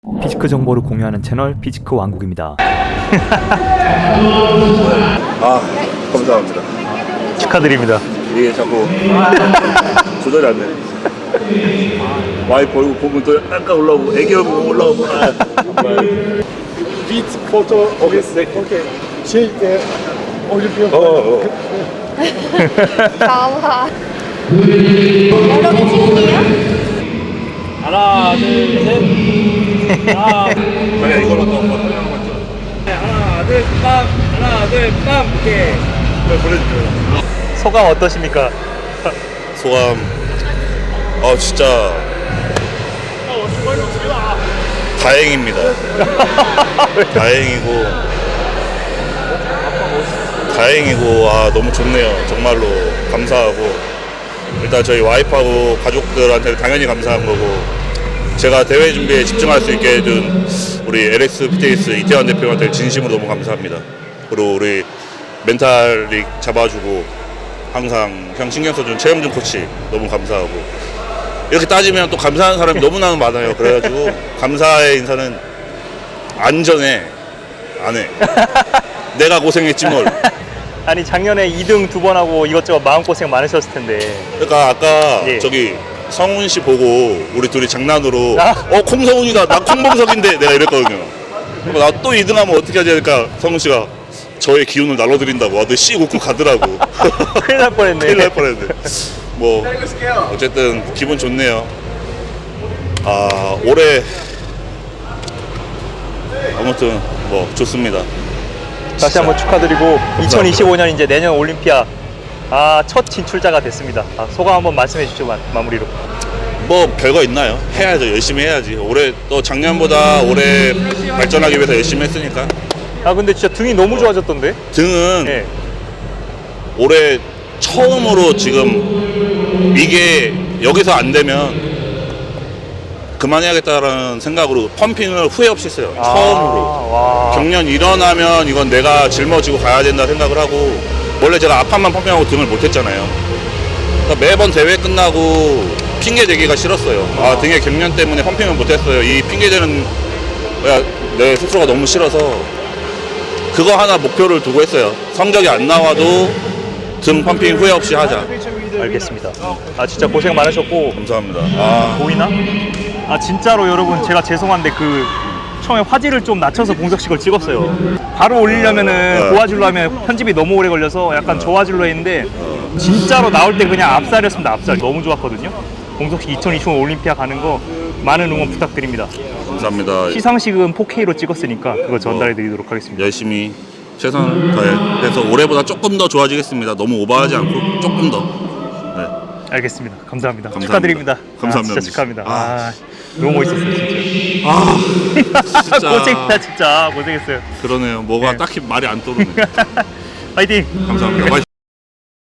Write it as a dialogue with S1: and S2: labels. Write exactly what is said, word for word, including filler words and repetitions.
S1: 피지크 정보를 공유하는 채널 피지크 왕국입니다.
S2: 아, 감사합니다.
S1: 축하드립니다.
S2: 이게 자꾸 조절이 안 돼. 와이프 얼굴 보면 또 약간 올라오고 애기 얼굴 보면 올라오고. 아, 정말.
S3: Beat photo with okay. Şey e, Olimpiyat.
S2: 어, 어.
S4: Có hả? 여러 개 찍을게요.
S5: 하나, 둘, 셋. 하나,
S2: 자기야 이걸로 또 한번 설명 한번 줘.
S5: 하나, 둘, 빵. 하나, 둘, 빵. 오케이.
S2: 네, 보내주세요.
S1: 소감 어떠십니까?
S2: 소감. 아 진짜 다행입니다. 다행이고 다행이고 아 너무 좋네요. 정말로 감사하고 일단 저희 와이프하고 가족들한테 당연히 감사한 거고 제가 대회 준비에 집중할 수 있게 해준 우리 엘엑스 피트니스 이태환 대표한테 진심으로 너무 감사합니다. 그리고 우리 멘탈이 잡아주고 항상 형 신경 써준 최영준 코치 너무 감사하고 이렇게 따지면 또 감사하는 사람이 너무나 많아요. 그래가지고 감사의 인사는 안전해 안 해. 내가 고생했지 뭘.
S1: 아니 작년에 이 등 두 번 하고 이것저것 마음고생 많으셨을 텐데.
S2: 그러니까 아까
S1: 예.
S2: 저기 성훈 씨 보고 우리 둘이 장난으로
S1: 아?
S2: 어 콩성훈이다 나 콩봉석인데 내가 이랬거든요. 나 또 이 등 하면 어떻게 하지 하니까 성훈 씨가 저의 기운을 날려드린다고 아들 씨 웃고 가더라고.
S1: 큰일 날 뻔했네.
S2: 큰일 날 뻔했네. 뭐 어쨌든 기분 좋네요. 아 올해 아무튼 뭐 좋습니다.
S1: 다시 한번 축하드리고 이천이십오 년 이제 내년 올림피아 아, 첫 진출자가 됐습니다. 아, 소감 한번 말씀해 주시죠. 마, 마무리로.
S2: 뭐 별거 있나요? 해야죠. 열심히 해야지. 올해 또 작년보다 올해 발전하기 위해서 열심히 했으니까.
S1: 아 근데 진짜 등이 너무 좋아졌던데?
S2: 등은
S1: 예.
S2: 올해 처음으로 지금 이게 여기서 안 되면 그만해야겠다라는 생각으로 펌핑을 후회 없이 했어요.
S1: 아,
S2: 처음으로.
S1: 와.
S2: 경련 일어나면 이건 내가 짊어지고 가야 된다 생각을 하고 원래 제가 앞판만 펌핑하고 등을 못했잖아요. 그러니까 매번 대회 끝나고 핑계 대기가 싫었어요. 아 등에 경련 때문에 펌핑을 못했어요. 이 핑계 대는 거야 내 스스로가 너무 싫어서 그거 하나 목표를 두고 했어요. 성적이 안 나와도 등 펌핑 후회 없이 하자.
S1: 알겠습니다. 아 진짜 고생 많으셨고
S2: 감사합니다. 아,
S1: 보이나? 아 진짜로 여러분 제가 죄송한데 그 처음에 화질을 좀 낮춰서 봉석식을 찍었어요. 바로 올리려면은
S2: 네.
S1: 고화질로 하면 편집이 너무 오래 걸려서 약간 저화질로 했는데 진짜로 나올 때 그냥 앞살이었습니다. 앞살 너무 좋았거든요. 봉석식 이천이십오 올림피아 가는 거 많은 응원 부탁드립니다.
S2: 감사합니다.
S1: 시상식은 포케이로 찍었으니까 그거 전달해 드리도록 하겠습니다.
S2: 열심히 최선 다해서 올해보다 조금 더 좋아지겠습니다. 너무 오버하지 않고 조금 더. 네.
S1: 알겠습니다. 감사합니다.
S2: 감사합니다.
S1: 축하드립니다.
S2: 감사합니다.
S1: 아, 진짜 축하합니다.
S2: 아.
S1: 아, 너무 멋있었어요 진짜.
S2: 아, 진짜
S1: 고생했다 진짜 고생했어요.
S2: 그러네요. 뭐가
S1: 네.
S2: 딱히 말이 안 떠오르네.
S1: 파이팅.
S2: 감사합니다.